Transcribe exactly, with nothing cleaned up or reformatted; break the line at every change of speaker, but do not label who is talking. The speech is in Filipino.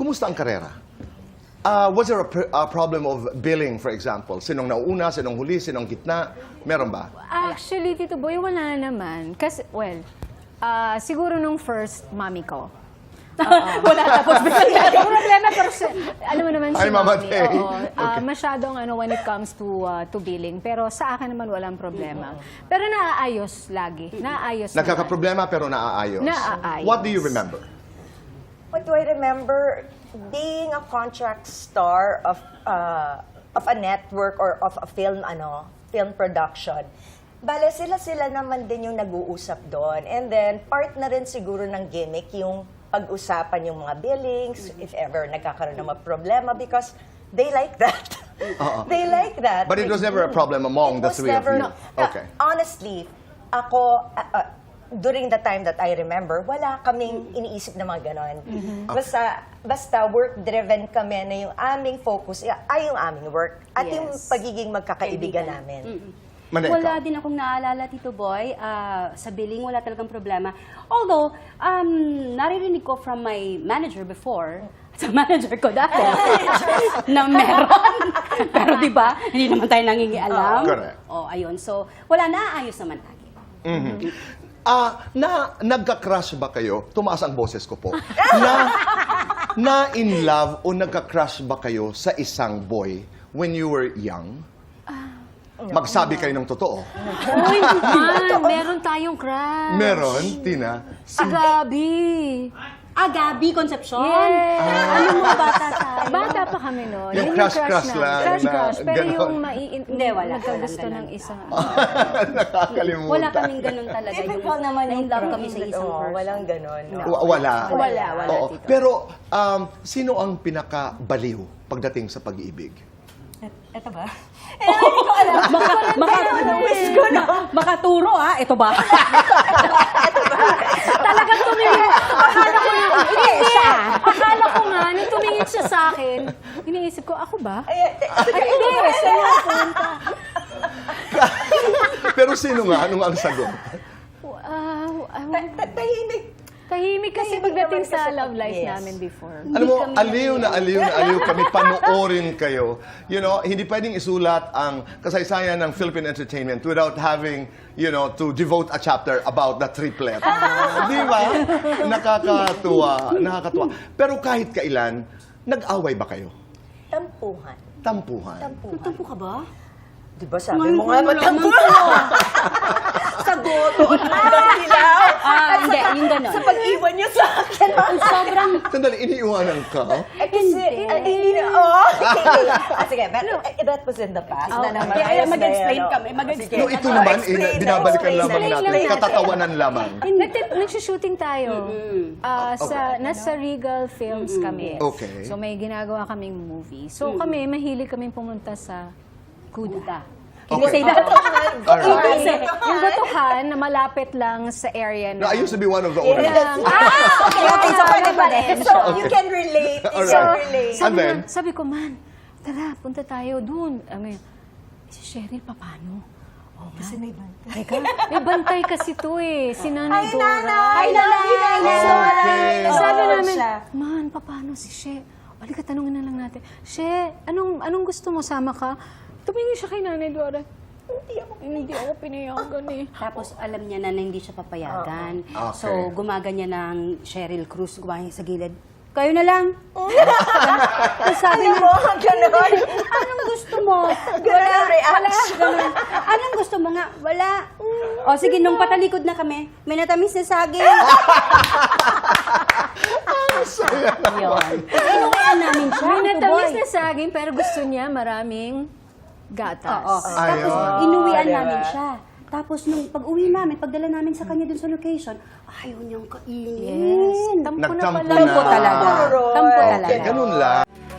kumusta ang karera? Uh, was there a, pr- a problem of billing, for example? Sinong nauna, sinong huli, sinong gitna? Meron ba?
Actually, Tito Boy, wala naman. Kasi, well, ah, siguro nung first mami ko.
Wala tapos.
Yung problema, pero si- alam mo naman si
Ay, Mama
Mami,
Tay.
oo, ah,
Okay.
masyadong ano when it comes to ah, to billing. Pero sa akin naman walang problema. Pero naaayos lagi. Naaayos naman.
Nagkakaproblema pero naaayos.
Naaayos.
What do you remember?
What do I remember? Being a contract star of uh, of a network or of a film ano film production. Bale, sila-sila naman din yung nag-uusap doon. And then, part na rin siguro ng gimmick yung pag-usapan yung mga billings, if ever nagkakaroon ng mga problema, because they like that.
Oo.
They like that.
But it was never a problem among
It
the
was
three
never,
of you?
no.
Okay.
Uh, honestly, ako, uh, uh, during the time that I remember, wala kaming iniisip na mga ganon. Basta, basta work-driven kami na yung aming focus ay yung aming work at yung
Yes.
pagiging magkakaibigan namin.
Maneka.
Wala din akong naalala, Tito Boy. Ah, sa billing, wala talagang problema. Although, um, naririnig ko from my manager before, sa manager ko dati, na meron. Pero di ba, hindi naman tayo nangingialam.
Correct.
O, ayun. So, wala, naaayos naman lagi.
Ah, na nagka-crush ba kayo? Tumaas ang boses ko po. na na in love o nagka-crush ba kayo sa isang boy when you were young? Magsabi kayo ng totoo.
Uy, man, meron tayong crush.
Meron, Tina?
Si Gabi.
Ah, Gabi Concepcion.
Yes.
Ano mo, bata tayo?
Bata pa kami noon.
Yung
Yun
crush-crush
namin.
lang
Crush-crush.
na
Pero
ganon.
yung mai
Hindi, wala.
nagkagusto
Walang
ng
ganon.
isa.
Nakakalimutan.
Wala kaming ganun talaga.
Typical naman yung
na-in-love kami sa isang
Oo,
person.
walang ganon. No.
Wa- Wala.
Wala, wala,
Oo.
Tito.
Pero, um, sino ang pinakabaliw pagdating sa pag-iibig?
Ito ba? Eh, hindi ko alam. Maka, maka, makaturo, ah. Ito ba?
Talagang tumingin. Akala ko nga, hindi siya. Akala ko nga, nung tumingin siya sa akin, iniisip ko, ako ba?
Ay,
Ay, hindi. Saan yung punta?
Pero sino nga? Anong ang sagot?
Wow.
tahimik.
Tahimik kasi
Tahimik
pagdating
naman
sa
kasi
love
pag-
life
yes.
namin before.
Alam mo, aliw na aliw na aliw kami, panoorin kayo. You know, hindi pwedeng isulat ang kasaysayan ng Philippine entertainment without having, you know, to devote a chapter about the triplet. Di ba? Nakakatuwa. Nakakatuwa. Pero kahit kailan, nag-away ba kayo?
Tampuhan.
Tampuhan.
Tampuhan.
Tampo ka ba?
Di ba sabi
Ngayon
mo
ko
nga
nalaman
matampuhan? Sa goto at hanggang hilaw.
Ah, hindi. Yung ganon.
Sa pag-iwan niyo sa akin.
Sobrang...
Sandali, iniiwanan ka?
Eh, kasi, ah, hindi na, oh. Ah, sige, but eh, that was in the past.
Oh,
na naman.
okay.
Ayos na
Mag-explain
yan, oh.
kami, mag-explain.
Sige.
No, ito
Oh,
naman,
explain
eh,
na,
binabalikan
explain
lamang
na.
natin.
lang natin.
Katatawanan lamang.
Nag- Nagsushooting tayo. Ah, sa, nasa Regal Films kami.
Okay.
So may ginagawa kaming movie. So kami, mahilig kaming pumunta sa Kuda.
Hindi
Okay.
say that.
Alright.
Kasi yung Batuhan na malapit lang sa area
No,
na...
I used to be one of the owners.
Yes. Ah, okay, okay. So, pwede pa rin. So, you
Okay.
can relate. You
Alright.
can relate.
And
Sabi,
then?
na, sabi ko, man, tara, punta tayo dun. Ano yun? Si Cheryl, paano? Oh, kasi may bantay. Teka, may bantay kasi to eh. Si Nanay
Ay,
Dora.
nanay!
Ay, nanay!
Nanay!
Okay.
Eh, sabi
Oo,
namin,
siya.
man, paano si She? Halika, tanungin na lang natin. She, anong, anong gusto mo? Sama ka? Tumingin siya kay Nanay Dora. Hindi ako, hindi ako pinayagan eh.
Tapos alam niya na, na hindi siya papayagan.
Okay.
So gumaganyan ng Cheryl Cruz, gumaganyan sa gilid. Kayo na lang. Tapos sabi
Alam
niya,
mo, ganon.
anong gusto mo?
Ganon ang reaction.
Ganun. Anong gusto mo nga? Wala. O sige, nung patalikod na kami, may natamis na saging. Yun. Inuwian namin siya.
May natamis
Tuboy.
na saging, pero gusto niya maraming gatas.
Oo. Tapos
Ayun.
inuwian
diba?
namin siya. Tapos nung pag-uwi namin, pagdala namin sa kanya dun sa location, ayaw niyang kainin.
Yes. Tampo na
Nagtampo
pala.
na.
Tampo talaga.
Alright.
Tampo
Okay,
talaga.
ganun lang.